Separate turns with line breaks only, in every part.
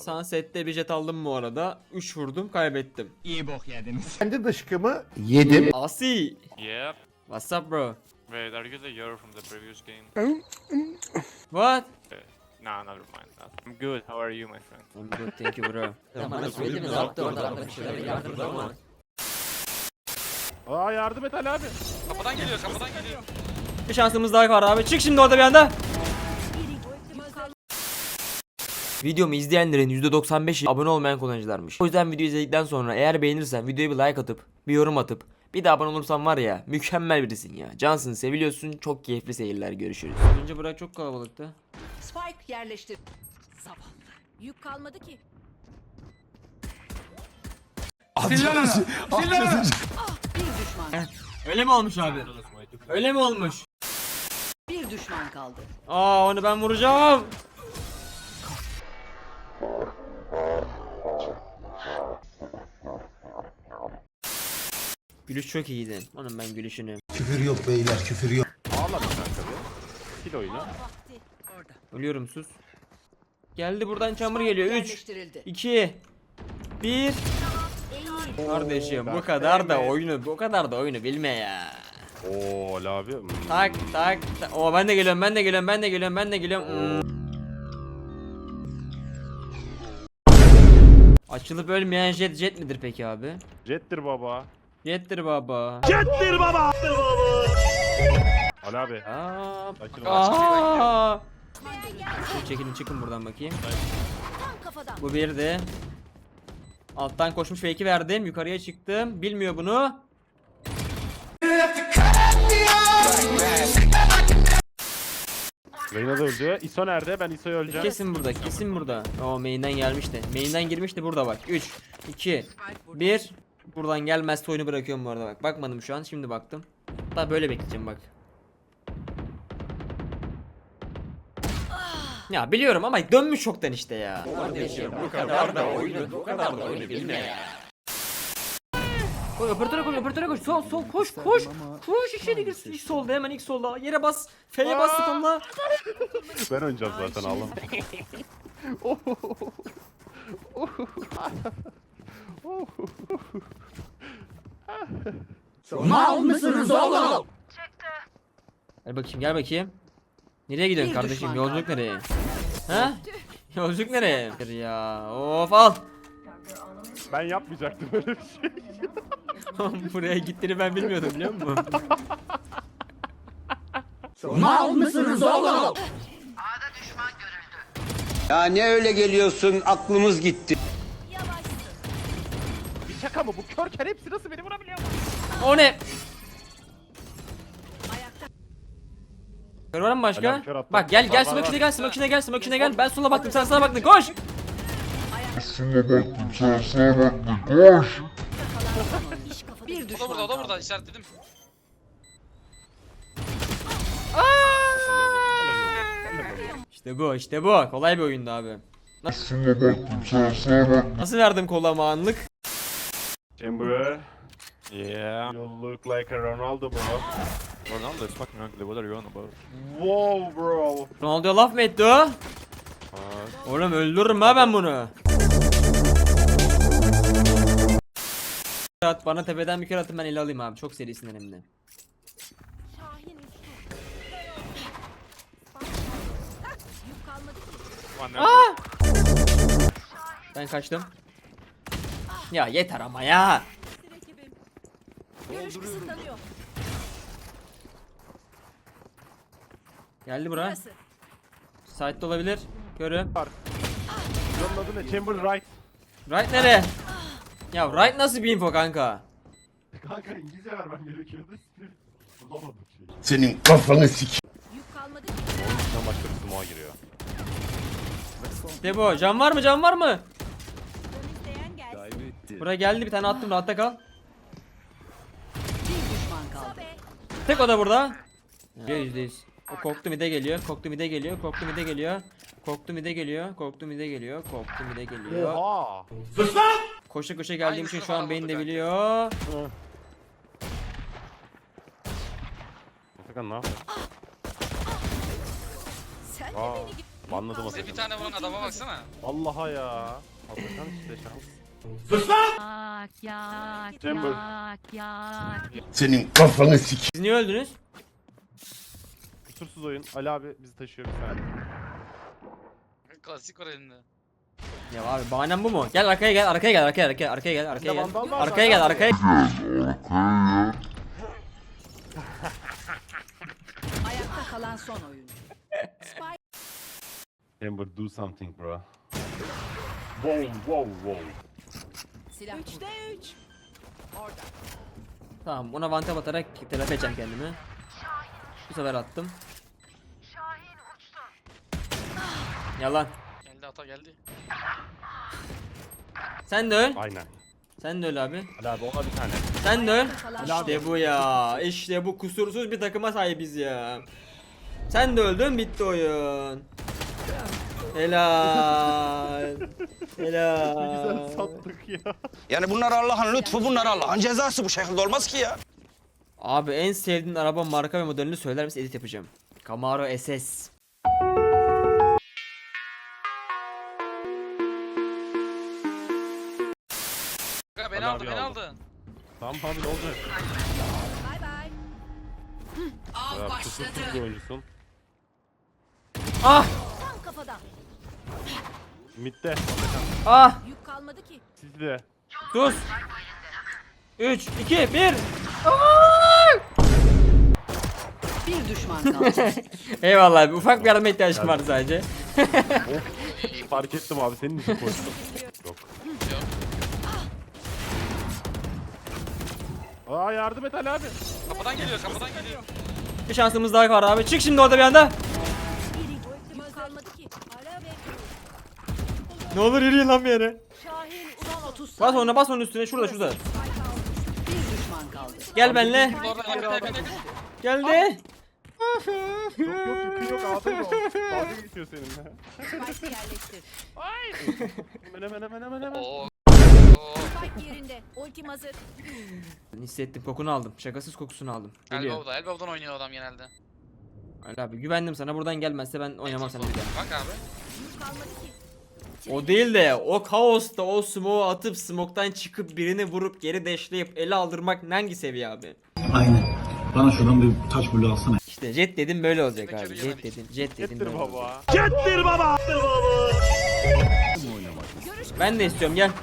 Sunset'te bir jet aldım bu arada. 3 vurdum, kaybettim.
İyi bok yediniz.
Kendi dışkımı yedim.
Asi.
Yep.
What's up bro?
Wait, are you the Euro from the previous game?
What?
Nah, never mind. I'm good. How are you, my friend?
I'm good, thank you bro.
Aa yardım et Ali abi.
Kapıdan geliyor, kapıdan geliyor.
Bir şansımız daha var abi. Çık şimdi orada bir anda. Videomu izleyenlerin %95'i abone olmayan kullanıcılarmış. O yüzden video izledikten sonra eğer beğenirsen videoya bir like atıp bir yorum atıp bir de abone olursan var ya mükemmel birisin ya. Cansın, seviliyorsun. Çok keyifli seyirler, görüşürüz. Önce bırak, çok kalabalıktı.
Spike yerleştir. Zavallı. Yük kalmadı ki.
Bir düşman.
Öyle mi olmuş abi? Öyle mi olmuş?
Bir düşman kaldı.
Aa, onu ben vuracağım. Gülüş çok iyiydi. Onun ben gülüşünü.
Küfür yok beyler, küfür yok.
Ağla bir kanka bir. Kil oyunu.
Ölüyorum, sus. Geldi buradan, çamur geliyor. 3
Yerleştirildi.
2 1. Kardeşim bu kadar da oyunu bilme ya.
Oo Ali abi.
Tak tak tak. Oo, ben de geliyorum. Açılıp ölmeyen jet midir peki abi?
Jettir baba.
Jettir baba.
Ali abi.
Aa.
Sakin ol.
Aa. Çekilin, çıkın buradan bakayım.
Tam kafadan.
Bu bir de. Alttan koşmuş fake'i verdim. Yukarıya çıktım. Bilmiyor bunu.
Reyna da öldü. ISO nerede? Ben ISO'yu öleceğim.
Kesin burada. O main'den gelmişti. Main'den girmişti, burada bak. 3 2 1. Buradan gelmezse oyunu bırakıyorum bu arada bak. Bakmadım şu an, şimdi baktım. Hatta böyle bekleyeceğim bak. Ya biliyorum ama dönmüş çoktan işte ya. Kardeşim bu kadar da oyunu bilme ya. Koy operatöre koş. Sol koş. Koş içeri gir. İlk solda, hemen ilk solda. Yere bas. F'ye bas tonla.
Ben oynayacağım zaten ağlam.
Mal mısınız oğlum?
Gel bakayım. Nereye gidiyorsun
Bir
kardeşim?
düşman
Yolculuk nereye? Ha? Yolculuk nereye? Ya of, al.
Ben yapmayacaktım öyle bir şey.
Buraya gittiğini ben bilmiyordum, biliyor musun?
Mal mısınız oğlum?
Ya ne öyle geliyorsun, aklımız gitti.
Bir şaka mı? Bu körken hepsi nasıl beni vurabiliyor?
O ne? Kör var mı başka?
Alarm kör attım.
Bak gel
Var,
smoke
var.
içine gel. Ben sola baktım, sen sağa baktın. Koş.
Bir düşman
O da
kaldı.
burada işaretledim.
İşte bu. Kolay bir oyundu abi. Nasıl verdim kolama anlık?
Chamber.
Yeah.
You look like a Ronaldo bro.
Ronaldo is fucking ugly. What are you on about?
Wow bro.
Ronaldo'ya laf mı etti o? Oğlum öldürürüm ha ben bunu. Bana tepeden bir kere atın, ben ele alayım abi. Çok serisinden hem de.
One
Ben kaçtım. Ya yeter ama ya.
Görüş kısıtlanıyor.
Geldi bura.
Burası.
Side'de olabilir. Görüm.
Bunun adı ne? Chamber right.
Right nereye? Ya right nasıl bir info kanka?
Kanka İngilizce vermem gerekiyordu. Bulamadım şeyi.
Senin kafanı sik.
Yük kalmadı ki.
Ondan başka bir smoke'a giriyor.
İşte bu. Can var mı?
İsteyen gelsin.
Buraya geldi, bir tane attım, rahatta kal.
Bir düşman kaldı.
Tek o da burada. %100. O korktu mide geliyor. Korktu mide geliyor.
Oha.
Koşa geldiğim için şu an beni de biliyor.
Efekan ne yapıyor?
Sen de
Aa.
beni
Anladım
Bize bir tane vuran adama baksana.
Allah'a ya. Allah'tan işte şans.
Senin kafanı sikeyim.
Siz niye öldünüz?
Kusursuz oyun. Ali abi bizi taşıyor bir saniye.
Klasik var elinde.
Ya abi bahanem bu mu? Gel arkaya gel, arkaya gel, arkaya gel, arkaya gel, arkaya gel.
vandal var
Arkaya gel, arkaya.
Ayakta kalan son oyuncu. Spike
Amber do something bro. Wow wow wow.
silah. 3'te 3. Orada.
Tamam, ona vantap atarak telafi edeceğim kendimi. Bu sefer attım. Yalan.
Geldi ata geldi.
Sen de öl.
Aynen.
Sen de öl abi.
Ali abi ona bir tane.
Sen de öl.
Kalan
İşte bu ya. İşte bu kusursuz bir takıma sahibiz ya. Sen de öldün, bitti oyun. Helal. Helal.
Güzel sattık ya.
Yani bunlar Allah'ın lütfu, bunlar Allah'ın cezası, bu şekilde olmaz ki ya.
Abi en sevdiğin araba marka ve modelini söyler misin? Edit yapacağım. Camaro SS.
Kanka beni
Ali
aldı
abi
beni
aldı.
aldı.
Tamam abi ne olacak?
Bay bay.
Ya kusursuz bir oyuncusun.
Ah!
Tam kafadan.
Mid'de.
Ah!
Yük kalmadı ki.
Siz de.
Sus. 3, 2, 1.
Bir düşman kaldı.
Eyvallah abi. Ufak bir yardıma ihtiyacım vardı sadece.
Fark ettim abi senin için koydum. Yok. Aa yardım et Ali abi.
Kapıdan geliyor kapıdan geliyor.
Bir şansımız daha var abi. Çık şimdi orada bir anda.
Yük kalmadı ki. Ara ve
Ne olur yürüyün lan bir yere.
Şahin son 30
Bas ona, bas onun üstüne. Şurada, şurada.
Bir düşman kaldı.
Gel benimle.
Orada yakın yakın yakın.
Geldi.
Yok yükün yok ağzın yok. Dalga geçiyor seninle.
Spike yerleştir.
Hemen.
Oo.
Spike yerinde. Ultim hazır.
Hissettim, kokunu aldım. Şakasız kokusunu aldım. Geliyor.
Elbow'da Elbow'dan oynuyor adam genelde.
Ali abi güvendim sana, buradan gelmezse ben oynamam seninle bir daha.
Bak abi.
Yük kalmadı ki.
O değil de o kaosta o smoke'u atıp smoke'tan çıkıp birini vurup geri dashleyip ele aldırmak hangi seviye abi?
Aynen. Bana şuradan bir taş bulu alsana.
İşte jet dedim böyle olacak abi.
Bekleri
Jet
yemedik.
dedim, jet dedim
Getir
böyle olacak.
baba.
Ben de istiyorum, gel.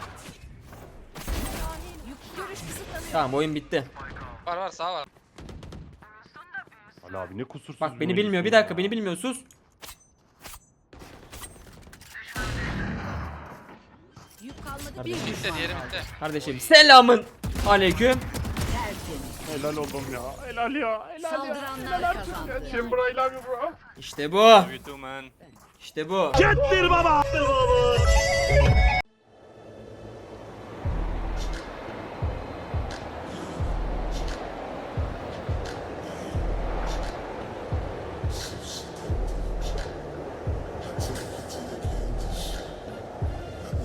Yük görüş kısıtlanıyor.
Tamam, oyun bitti.
Var var sağ var.
Ali abi ne kusursuz
Bak
bir
beni bilmiyor,
oyuncusun
bir dakika
ya.
beni bilmiyor, sus.
Yük kalmadı. Bir
Bitti
düşman
diğeri
kaldı.
bitti.
Kardeşim selamın aleyküm.
Tertemiz.
Helal oldum ya. Helal ya. Helal ya.
Saldıranlar kazandı.
Chamber I love you bro.
İşte bu.
You too man.
İşte bu.
Getir baba.